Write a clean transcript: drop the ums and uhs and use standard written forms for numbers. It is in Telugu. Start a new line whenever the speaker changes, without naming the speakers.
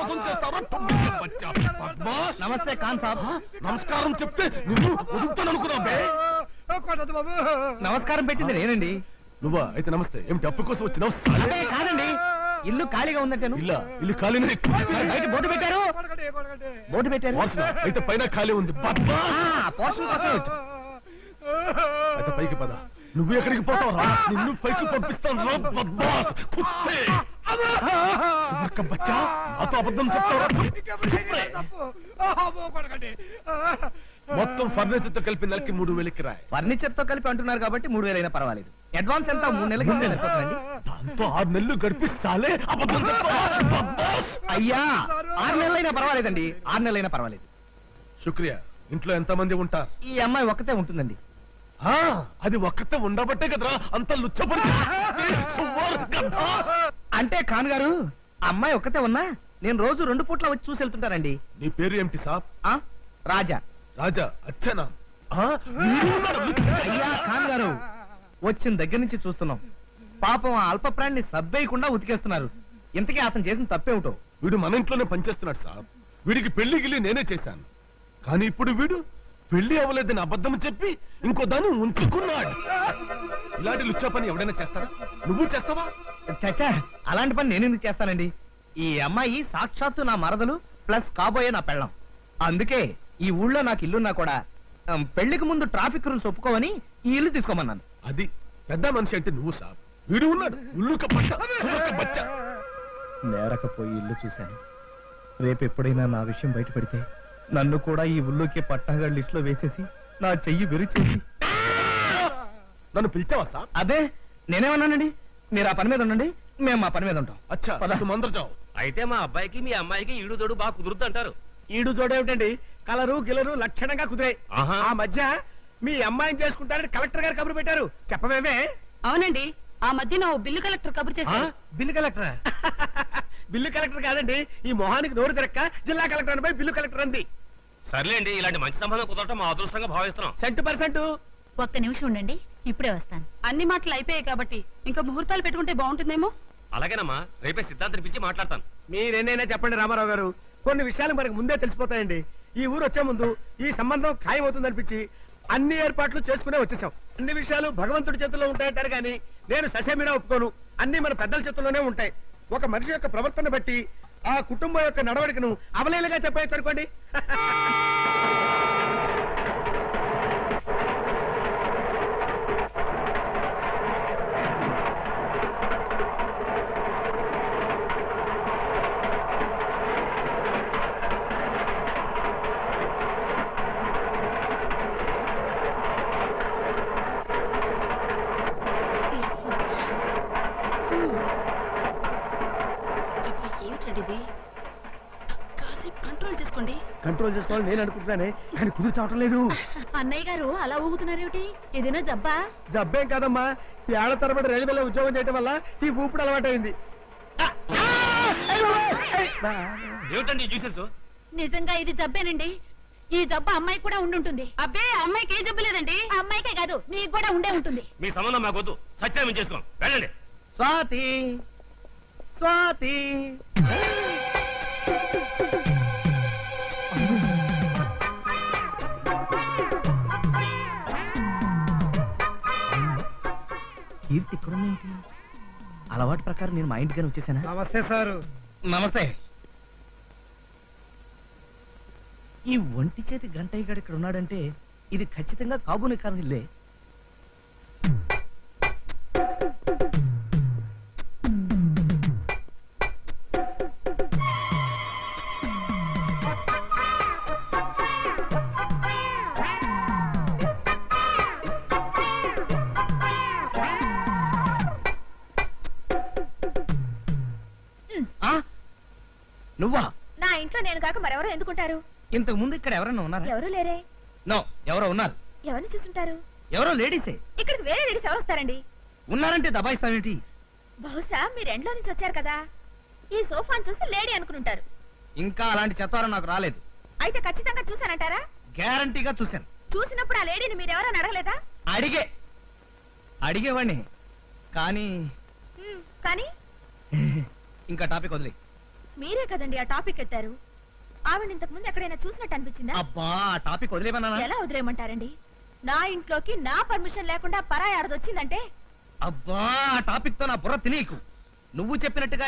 మోసం చేస్తావా?
నమస్తే ఖాన్ సాబ్.
నమస్కారం చెప్తే నువ్వు వదులుతాననుకున్నావే.
నమస్కారం పెట్టింది నేనండి.
నువ్వా? అయితే నమస్తే. ఏమిటి అప్పు కోసం వచ్చినావు?
కాదండి, ఇల్లు ఖాళీగా ఉందంటాను.
ఇల్లు ఖాళీనే.
బయట బోర్డు పెట్టారు.
అయితే పైన ఖాళీ ఉంది.
పోషన్ కోసం వచ్చు.
అయితే పైకి పద. నువ్వు ఎక్కడికి పోతావు రా? నిన్ను పైకి పంపిస్తాను రా బద్మాస్ కుత్తే. బచ్చా నాతో అబద్ధం చెప్తావా? మొత్తం ఫర్నిచర్ తో కలిపి నెలకి 3000 కిరాయి.
ఫర్నిచర్ తో కలిపి అంటున్నారు కాబట్టి 3000 అయినా పర్వాలేదు. అడ్వాన్స్ ఎంత? 3 నెలలకి సరిపోతుందండి.
దాంతో 6 నెలలు గడిపిస్తాలే. అబద్ధం చెప్తావా?
అయ్యా 6 నెలలైనా పర్వాలేదండి. 6 నెలలైనా పర్వాలేదు.
శుక్రియా. ఇంట్లో ఎంతమంది ఉంటారు?
ఈ అమ్మాయి ఒక్కతే ఉంటుందండి.
అది ఒక్కతే ఉండబట్టే కదరా అంత లుచ్చపడి.
అంటే ఖాన్ గారు, అమ్మాయి ఒక్కతే ఉన్నా నేను రోజు 2 పూట్ల వచ్చి చూసి వెళ్తుంటానండి.
నీ పేరు ఏమిటి సాబ్?
రాజా.
రాజా అచ్చనా?
అయ్యా ఖాన్ గారు, వచ్చిన దగ్గర నుంచి చూస్తున్నాం. పాపం ఆ అల్ప ప్రాణిని సబ్బేయకుండా ఉతికేస్తున్నారు. ఇంతకీ అతను చేసిన తప్పేమిటో?
వీడు మన ఇంట్లోనే పనిచేస్తున్నాడు సాబ్. వీడికి పెళ్లి గిల్లి నేనే చేశాను. కానీ ఇప్పుడు వీడు పెళ్లి అవ్వలేదని అబద్ధం చెప్పి ఇంకో దాన్ని ఉంచుకున్నాడు. ఇలాంటి లుచ్చా పని ఎవడైనా చేస్తారా? నువ్వు చేస్తావా?
చచ్చా, అలాంటి పని నేను ఎందుకు చేస్తానండి? ఈ అమ్మాయి సాక్షాత్తు నా మరదలు ప్లస్ కాబోయే నా పెళ్ళం. అందుకే ఈ ఊళ్ళో నాకు ఇల్లున్నా కూడా పెళ్లికి ముందు ట్రాఫిక్ రూల్స్ ఒప్పుకోవని ఈ ఇల్లు తీసుకోమన్నాను.
అది పెద్ద మనిషి అంటే నువ్వు సాబ్. వీడు ఉన్నాడు
నేరకపోయి ఇల్లు చూశాను. రేపు ఎప్పుడైనా నా విషయం బయటపడితే నన్ను కూడా ఈ ఊళ్ళోకి పట్టాగా లిస్ట్ లో వేసేసి నా చెయ్యి విరిచేసి.
నన్ను పిలిచావా సాబ్?
అదే నేనేమన్నానండి? మీరు ఆ పని మీద ఉండండి, మేము మా పని మీద ఉంటాం.
అచ్చా మందరు చావు.
అయితే మా అబ్బాయికి మీ అమ్మాయికి ఈడు జోడు బాగా కుదురుద్ది అంటారు.
ఈడు జోడేమిటండి? కలరు గిలరు లక్షణంగా కుదిరాయి. ఆ మధ్య మీ అమ్మాయిని చేసుకుంటారని కలెక్టర్ గారు కబురు పెట్టారు. చెప్పమేమే?
అవునండి, ఆ మధ్యన ఓ బిల్లు కలెక్టర్ కబురు చేశారు.
Bill collector?
బిల్లు కలెక్టర్ కాదండి, ఈ మొహానికి నోరు తిరక్క జిల్లా కలెక్టర్ అనిపై బిల్లు కలెక్టర్ అంది.
సర్లేండి, ఇలాంటి మంచి సంబంధం కుదరటం మా అదృష్టంగా భావిస్తున్నాం.
100%.
ఒక్క నిమిషం ఉండండి, ఇప్పుడే వస్తాను. అన్ని మాటలు అయిపోయాయి కాబట్టి ఇంకా ముహూర్తాలు పెట్టుకుంటే బాగుంటుందేమో.
అలాగేనమ్మా, రేపే సిద్ధాంతిని పిలిచి మాట్లాడతాను.
మీరేనైనా చెప్పండి రామారావు గారు, కొన్ని విషయాలు మనకు ముందే తెలిసిపోతాయండి. ఈ ఊరు వచ్చే ముందు ఈ సంబంధం ఖాయమవుతుందనిపించి అన్ని ఏర్పాట్లు చేసుకునే వచ్చేసాం. అన్ని విషయాలు భగవంతుడి చేతుల్లో ఉంటాయంటారు కానీ నేను ససేమిరా ఒప్పుకోను. అన్ని మన పెద్దల చేతుల్లోనే ఉంటాయి. ఒక మనిషి యొక్క ప్రవర్తన బట్టి ఆ కుటుంబం యొక్క నడవడికను అవలేలుగా చెప్పేసి అనుకోండి. కంట్రోల్ చేసుకోవాలి నేను అనుకుంటున్నానే, కానీ కుదురు చావటం లేదు.
అన్నయ్య గారు అలా ఊగుతున్నారేమిటి? ఏదైనా జబ్బా?
జబ్బేం కాదమ్మా, ఈ ఏళ్ల తరబడి రైల్వేలో ఉద్యోగం చేయడం వల్ల ఈ ఊపిడి అలవాటైంది.
ఏమిటండి జ్యూసెస్?
నిజంగా ఇది జబ్బేనండి. ఈ జబ్బు అమ్మాయి కూడా ఉండుంటుంది. అబ్బే, అమ్మాయికి ఏ జబ్బు లేదండి. అమ్మాయికే కాదు, మీకు కూడా ఉండే ఉంటుంది.
మీ సంబంధం మాకొద్దు, సత్యాన్ని చేసుకోం. వెళ్ళండి.
స్వాతి, స్వాతి. కీర్తి ఇక్కడుందేంటి? అలవాటు ప్రకారం నేను మా ఇంటికి వచ్చేసానా?
నమస్తే సార్.
నమస్తే. ఈ ఒంటి చేతి గంటయ్య గారు ఇక్కడ ఉన్నాడంటే ఇది ఖచ్చితంగా కాబోని కారణిల్లే. నువ్వా?
నా ఇంట్లో నేను కాక మరెవరో ఎందుకుంటారు?
ఇంతకు ముందు ఇక్కడ ఎవరన్నా ఉన్నారా?
ఎవరు లేరే.
నో, ఎవరో ఉన్నారు.
ఎవరిని చూస్తుంటారు?
ఎవరో లేడీసే.
ఇక్కడికి వేరే లేడీస్ ఎవరు వస్తారండి?
ఉన్నారంటే దబాయిస్తావేంటి?
బహుశా మీరు ఎండ్లో నుంచి వచ్చారు కదా, ఈ సోఫాను చూసి లేడీ అనుకుంటారు.
ఇంకా అలాంటి చెత్తారం నాకు రాలేదు.
అయితే ఖచ్చితంగా చూసానంటారా?
గ్యారంటీగా చూశాను.
చూసినప్పుడు ఆ లేడీని మీరెవరని అడగలేదా?
అడిగేవాడిని కానీ
కానీ
ఇంకా టాపిక్ వదిలే.
మీరే కదండి ఆ టాపిక్ ఎత్తారు. ఆవిడ ఇంతకు ముందు ఎక్కడైనా చూసినట్టు అనిపించిందా?
అబ్బా ఆ టాపిక్ వదిలేమన్నా?
ఎలా వదిలేయమంటారండి? నా ఇంట్లోకి నా పర్మిషన్ లేకుండా పరాయి ఆడదొచ్చిందంటే
అబ్బా ఆ టాపిక్ తో నా బుర్ర తినీకు. నువ్వు చెప్పినట్టుగా